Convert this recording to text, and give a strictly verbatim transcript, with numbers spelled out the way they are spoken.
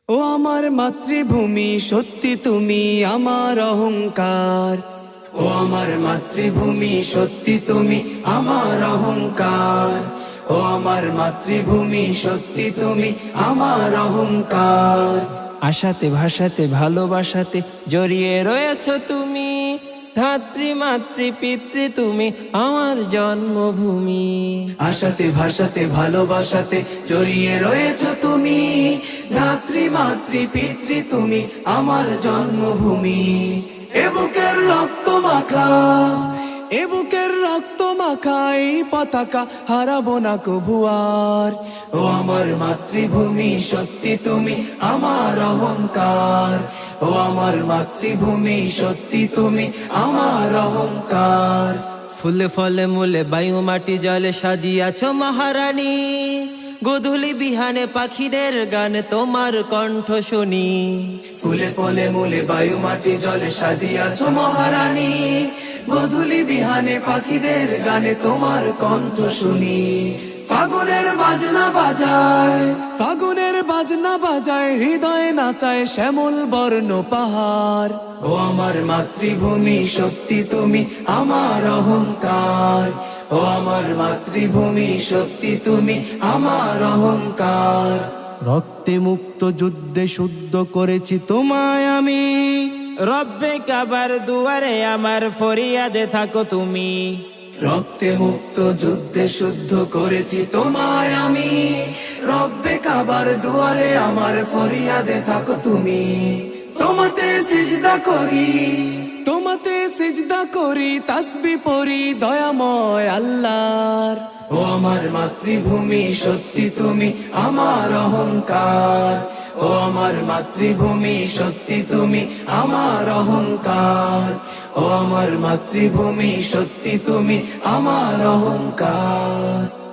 ও আমার মাতৃভূমি সত্যি তুমি আমার অহংকার। ও আমার মাতৃভূমি সত্যি তুমি আমার অহংকার। ও আমার মাতৃভূমি সত্যি তুমি আমার অহংকার। আশাতে ভাষাতে ভালোবাসাতে জড়িয়ে রয়েছ তুমি, ধাত্রী মাতৃ পিতৃ তুমি আমার জন্মভূমি। আশাতে ভাষাতে ভালোবাসাতে জড়িয়ে রয়েছ তুমি, ধাত্রী মাতৃ পিতৃ তুমি আমার জন্মভূমি। এ বুকের রক্ত মাখা, এ বুকের রক্ত মাখা এই পতাকা হারাবো না কভু আর। ও আমার মাতৃভূমি সত্যি তুমি আমার অহংকার। ও আমার মাতৃভূমি সত্যি তুমি আমার অহংকার। ফুলে ফলে মূলে বায়ু মাটি জলে সাজিয়াছ মহারানী, গোধূলি বিহানে পাখিদের গান তোমার কণ্ঠ শুনি। ফুলে ফলে মূলে বায়ু মাটি জলে সাজিয়াছ মহারানী, গোধূলি বিহানে পাখিদের গানে তোমার কণ্ঠ শুনি। ফাগুনের বাজনা বাজায়, ফাগুনের বাজনা বাজায়, হৃদয়ে নাচায় শ্যামল বর্ণ পাহাড়। ও আমার মাতৃভূমি সত্যি তুমি আমার অহংকার। ও আমার মাতৃভূমি সত্যি তুমি আমার অহংকার। রক্তে মুক্ত যুদ্ধে শুদ্ধ করেছি তোমায় আমি, রব্বে কাবার দুয়ারে আমার ফরিয়াদে থাকো তুমি। রক্তে মুক্ত যুদ্ধে শুদ্ধ করেছি তোমায় আমি, রব্বে কাবার দুয়ারে আমার ফরিয়াদে থাকো তুমি। তোমাতে সিজদা করি, তোমাতে সিজদা করি, তাসবিহ পড়ি দয়াময় আল্লাহর। ও আমার মাতৃভূমি সত্যি তুমি আমার অহংকার। ও আমার মাতৃভূমি সত্যি তুমি আমার অহংকার। ও আমার মাতৃভূমি সত্যি তুমি আমার অহংকার।